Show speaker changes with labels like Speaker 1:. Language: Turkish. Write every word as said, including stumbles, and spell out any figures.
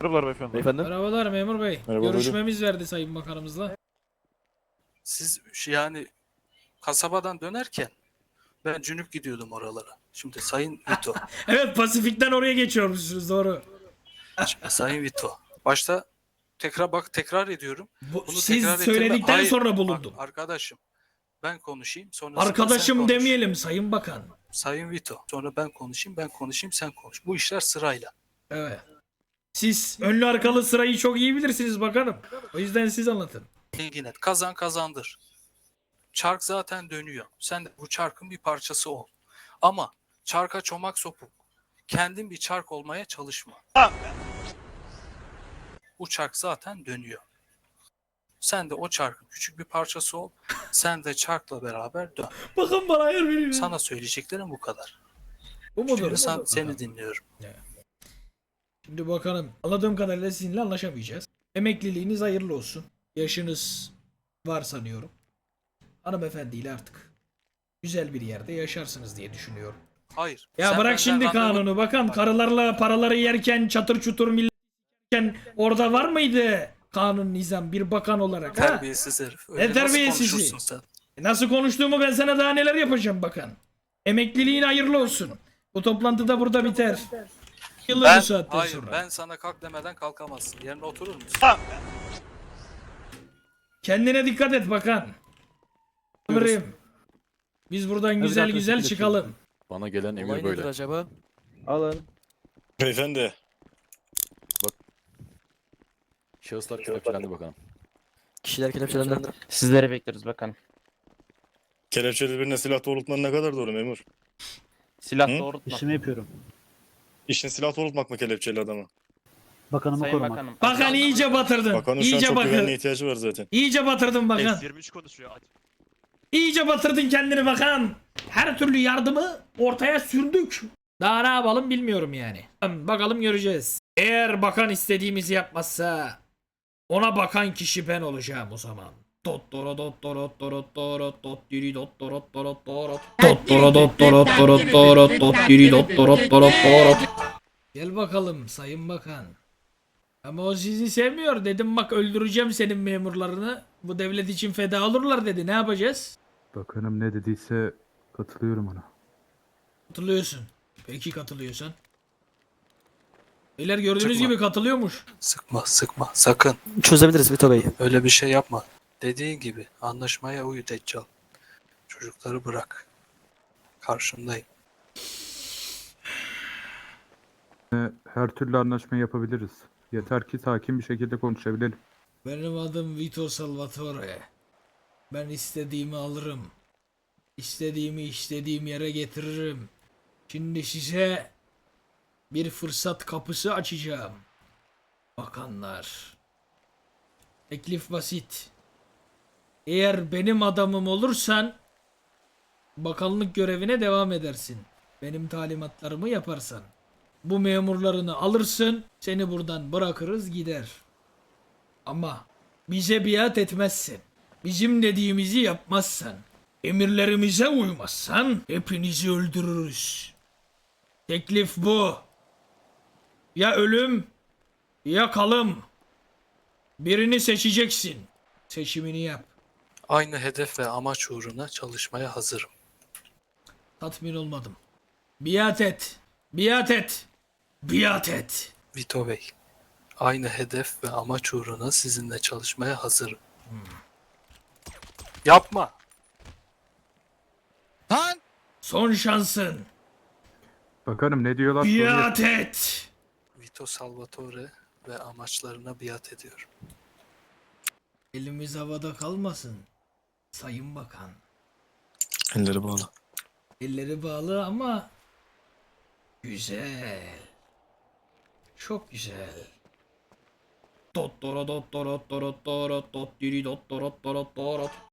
Speaker 1: Merhabalar beyefendi.
Speaker 2: Beyefendi.
Speaker 3: Merhabalar memur bey.
Speaker 4: Merhaba,
Speaker 3: Görüşmemiz verdi Sayın Bakanımızla.
Speaker 5: Siz şu yani kasabadan dönerken ben cünüp gidiyordum oralara. Şimdi Sayın Vito,
Speaker 3: Evet, Pasifik'ten oraya geçiyormuşsunuz, doğru.
Speaker 5: şimdi Sayın Vito. Başta tekrar bak tekrar ediyorum.
Speaker 3: Bu,
Speaker 5: Bunu
Speaker 3: siz
Speaker 5: tekrar ettirme-
Speaker 3: söyledikten
Speaker 5: Hayır,
Speaker 3: sonra
Speaker 5: bak
Speaker 3: bulundum.
Speaker 5: arkadaşım ben konuşayım sonra sen
Speaker 3: Arkadaşım
Speaker 5: konuş.
Speaker 3: demeyelim Sayın Bakan.
Speaker 5: Sayın Vito. Sonra ben konuşayım ben konuşayım sen konuş. Bu işler sırayla.
Speaker 3: Evet. Siz önlü arkalı sırayı çok iyi bilirsiniz bakanım. O yüzden siz anlatın.
Speaker 5: İlgin et. Kazan kazandır. Çark zaten dönüyor. Sen de bu çarkın bir parçası ol. Ama çarka çomak sokup kendin bir çark olmaya çalışma. Bu çark zaten dönüyor. Sen de o çarkın küçük bir parçası ol. Sen de çarkla beraber dön.
Speaker 3: Bakın bana ayar verin.
Speaker 5: Sana söyleyeceklerim bu kadar.
Speaker 3: Bu mudur?
Speaker 5: Şimdi sen,
Speaker 3: Budur.
Speaker 5: seni dinliyorum.
Speaker 3: Şimdi bakanım, anladığım kadarıyla sizinle anlaşamayacağız. Emekliliğiniz hayırlı olsun. Yaşınız var sanıyorum. Hanımefendiyle artık güzel bir yerde yaşarsınız diye düşünüyorum.
Speaker 5: Hayır.
Speaker 3: Ya
Speaker 5: sen
Speaker 3: bırak
Speaker 5: benden
Speaker 3: şimdi
Speaker 5: randevu-
Speaker 3: kanunu bakan,
Speaker 5: Bak,
Speaker 3: karılarla paraları yerken çatır çutur millet yerken orada var mıydı kanun nizam bir bakan olarak ha?
Speaker 5: Terbiyesiz herif. Öyle
Speaker 3: Ne
Speaker 5: nasıl
Speaker 3: terbiyesizi?
Speaker 5: konuşursun sen?
Speaker 3: Nasıl konuştuğumu ben sana daha neler yapacağım bakan. Emekliliğin hayırlı olsun. Bu toplantı da burada biter. Yıllar
Speaker 5: Ben,
Speaker 3: bu saatten
Speaker 5: hayır
Speaker 3: sonra.
Speaker 5: ben sana kalk demeden kalkamazsın. Yerine oturur musun?
Speaker 3: Kendine dikkat et bakan. Amirim. Biz buradan güzel
Speaker 2: zaten
Speaker 3: güzel
Speaker 2: şekil
Speaker 3: çıkalım.
Speaker 2: Bana gelen
Speaker 6: Olay
Speaker 2: emir
Speaker 6: nedir
Speaker 2: böyle.
Speaker 6: acaba?
Speaker 2: Alın.
Speaker 4: Beyefendi.
Speaker 2: Şahıslar kelepçelendi bakalım.
Speaker 6: Kişiler kelepçelendiler.
Speaker 7: Sizleri bekliyoruz bakanım.
Speaker 4: Kelepçeli birine silah doğrultman ne kadar doğru memur?
Speaker 7: Silah
Speaker 4: Hı?
Speaker 7: doğrultma.
Speaker 8: İşimi yapıyorum.
Speaker 4: İşin silah doğrultmak mı kelepçeli adama?
Speaker 8: Bakanımı
Speaker 7: Sayın
Speaker 8: korumak.
Speaker 7: Bakanım.
Speaker 3: Bakan iyice batırdın.
Speaker 4: Bakanın şu an
Speaker 3: İyice
Speaker 4: çok
Speaker 3: bakın.
Speaker 4: güvenliğe ihtiyacı var zaten.
Speaker 3: İyice batırdın bakan.
Speaker 1: S yirmi üç konuşuyor.
Speaker 3: İyice batırdın kendini bakan. Her türlü yardımı ortaya sürdük. Daha ne yapalım bilmiyorum yani. Bakalım göreceğiz. Eğer bakan istediğimizi yapmazsa ona bakan kişi ben olacağım o zaman. Dot doro dot doro doro doro dot diri dot doro doro doro dot doro dot doro doro doro dot diri dot doro doro doro. Gel bakalım Sayın Bakan. Ama o sizi sevmiyor. Dedim bak öldüreceğim senin memurlarını. Bu devlet için feda olurlar dedi. Ne yapacağız?
Speaker 9: Bakanım ne dediyse katılıyorum ona.
Speaker 3: Katılıyorsun. Peki katılıyorsan. Beyler gördüğünüz
Speaker 5: Çıkma.
Speaker 3: gibi katılıyormuş.
Speaker 5: Sıkma sıkma sakın.
Speaker 6: Çözebiliriz Vito Bey.
Speaker 5: Öyle bir şey yapma. Dediğin gibi anlaşmaya uyu Deccal. Çocukları bırak. Karşındayım.
Speaker 9: Her türlü anlaşma yapabiliriz. Yeter ki sakin bir şekilde konuşabilelim.
Speaker 3: Benim adım Vito Salvatore. Ben istediğimi alırım. İstediğimi istediğim yere getiririm. Şimdi size bir fırsat kapısı açacağım. Bakanlar. Teklif basit. Eğer benim adamım olursan bakanlık görevine devam edersin. Benim talimatlarımı yaparsan. Bu memurlarını alırsın, seni buradan bırakırız gider. Ama bize biat etmezsin. Bizim dediğimizi yapmazsan, emirlerimize uymazsan hepinizi öldürürüz. Teklif bu. Ya ölüm ya kalım. Birini seçeceksin. Seçimini yap.
Speaker 5: Aynı hedef ve amaç uğruna çalışmaya hazırım.
Speaker 3: Tatmin olmadım. Biat et. Biat et. Biat et.
Speaker 5: Vito Bey. Aynı hedef ve amaç uğruna sizinle çalışmaya hazırım. Yapma.
Speaker 6: Lan!
Speaker 3: Son şansın.
Speaker 9: Bakanım ne diyorlar? soruyor.
Speaker 3: Biat et.
Speaker 5: Vito Salvatore ve amaçlarına biat ediyorum.
Speaker 3: Elimiz havada kalmasın. Sayın Bakan.
Speaker 4: Elleri bağlı.
Speaker 3: Elleri bağlı ama güzel. Çok güzel. Dot doro dot doro doro doro dot diri dot doro doro doro